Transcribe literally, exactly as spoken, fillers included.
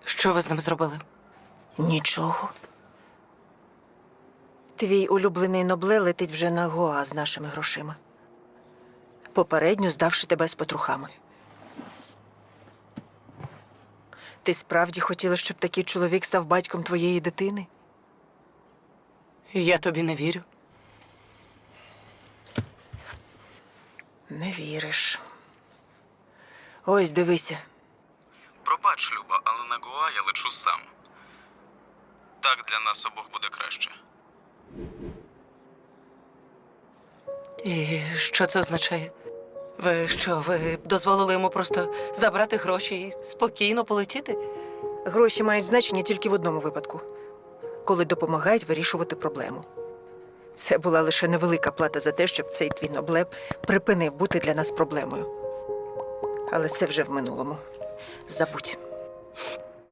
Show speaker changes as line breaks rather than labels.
Що ви з ним зробили?
Нічого. Твій улюблений Нобле летить вже на Гоа з нашими грошима. Попередньо здавши тебе з петрухами. Ти справді хотіла, щоб такий чоловік став батьком твоєї дитини?
Я тобі не вірю.
Не віриш. Ось, дивися.
Пробач, Люба, але на Гоа я лечу сам. Так для нас обох буде краще.
І що це означає? Ви що, ви дозволили йому просто забрати гроші і спокійно полетіти?
Гроші мають значення тільки в одному випадку. Коли допомагають вирішувати проблему. Це була лише невелика плата за те, щоб цей твій Нобле припинив бути для нас проблемою. Але це вже в минулому. Забудь.